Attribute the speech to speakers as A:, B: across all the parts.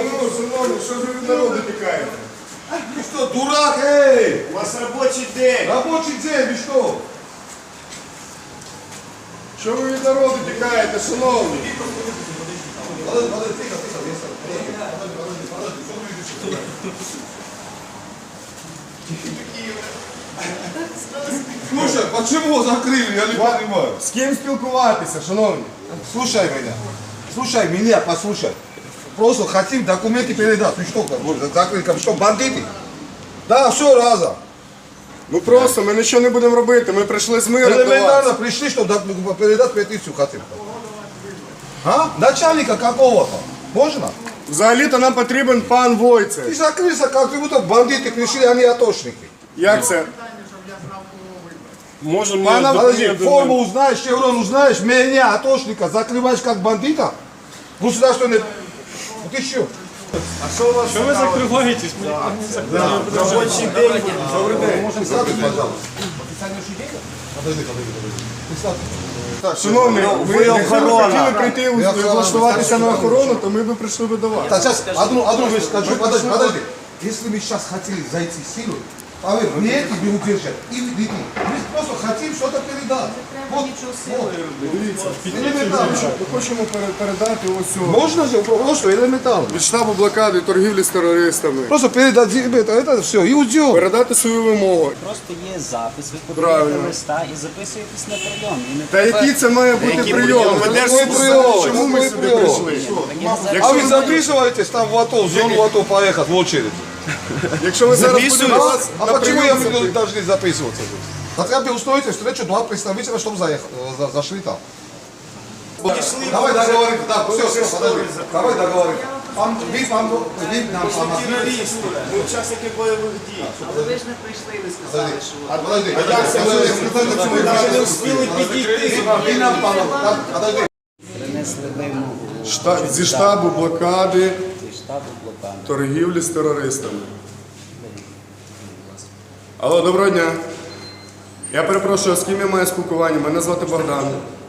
A: Шановні, що ж ви від народу тікаєте? Ви що, дурак, ей!
B: У вас робочий день.
A: Робочий день, ви що? Що ви від народу тікаєте, шановні? Слушай, почему закрыли, я не понимаю.
C: З ким спілкуватися, шановні?
A: Слушай меня, послушай. Просто хотим документы передать. Ты что, закрыли, что, бандиты? Да, все разом.
C: Ну просто, ми нічого не будемо робити, ми прийшли з миром до вас.
A: Элементарно пришли, чтобы передать петицию хотим. А? Начальника какого-то. Можно?
C: Взагалі-то нам потрібен пан Войцех.
A: Ты закрылся, как будто бандиты пришли, они атошники.
C: Як це?
B: Можемо
A: Пана, подожди, форму узнаешь, шеврон узнаешь, меня, атошника, закрываешь как бандита? Государственный... Ну ты что?
B: Що ви закриваєтесь?
A: Робочий день. Добрый день. Присядьте, пожалуйста. Подожди.
C: Шановні, ви
B: охорона.
C: хотіли прийти влаштуватися на охорону, то ми б прийшли би до вас.
A: Так, сейчас одну вещь скажу. Подожди. Если мы сейчас хотели зайти силой, поверь, мне эти не удержат. И вы просто хотим что-то передать. Вот. Элементарно.
C: Ми хочемо передати ось цього.
A: Можно же просто элементарно.
C: Від штабу блокади торгівлі з терористами.
A: Просто передать это все и уйдем.
C: Передати свою вимогу.
D: Просто є запис, ви
C: Правильно.
D: подаєте листа і записуєтесь на прийом. І не
C: Та який це має бути прийом?
A: Какой прийом?
C: Чому ми
A: Какой
C: сюди
A: прийом?
C: прийшли?
A: А вы записываетесь там в АТО, в зону АТО поехать в очередь.
C: Якщо ви зараз будете вас
A: А
C: на
A: почему
C: прийом
A: мы должны записываться здесь? Хотя бы устроите встречу два представителя, чтобы зашли там. Давай договорим. Да, все, подожди. Давай договорим. Вы нам помогли.
B: Терористи, ми учасники бойових дій.
E: Але ви ж не прийшли, ви сказали, що...
A: Подожди.
B: Ми навіть не встигли підійти.
A: Вы нам помогли. Подожди.
D: принесли вимогу
C: зі штабу блокади
D: зі штабу блокади.
C: торгівлі з терористами. Алло, доброго дня. Я перепрошую, з ким я маю спілкування? Мене звати Богдан.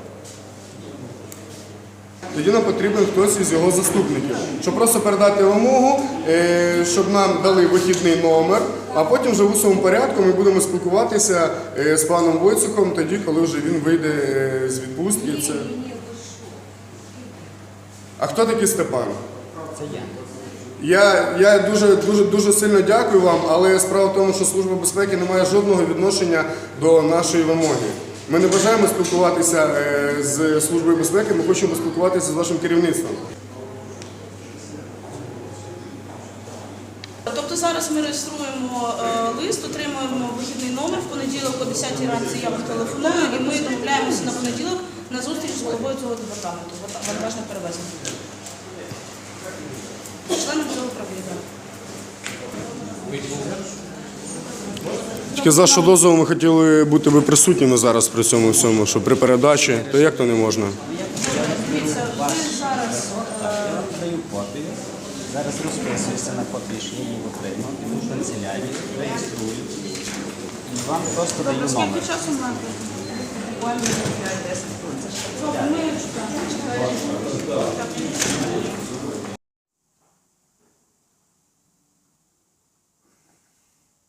C: Тоді нам потрібен хтось із його заступників, щоб просто передати вимогу, щоб нам дали вихідний номер, а потім вже в усьому порядку ми будемо спілкуватися з паном Войцехом тоді, коли вже він вийде з відпустки. А хто такий Степан?
D: Це я.
C: Я дуже сильно дякую вам, але справа в тому, що Служба безпеки не має жодного відношення до нашої вимоги. Ми не бажаємо спілкуватися з Службою безпеки, ми хочемо спілкуватися з вашим керівництвом.
F: Тобто зараз ми реєструємо лист, отримуємо вихідний номер, в понеділок о 10-й ранці я вам телефоную і ми домовляємося на понеділок на зустріч з головою цього департаменту, вантажних перевезень. Членом цього управління.
C: Тільки за що дозволу ми хотіли бути ви присутніми зараз при цьому всьому, що при передачі, то як то не можна?
F: Дивіться, ви зараз...
D: Я вам даю копію. Зараз розписуюся на копії, що я її отримав, іду в канцелярію, реєструю. І вам просто даю номер.
F: Скільки часу маєте? Буквально 5-10 хвилин. Добре, ми чекаємо.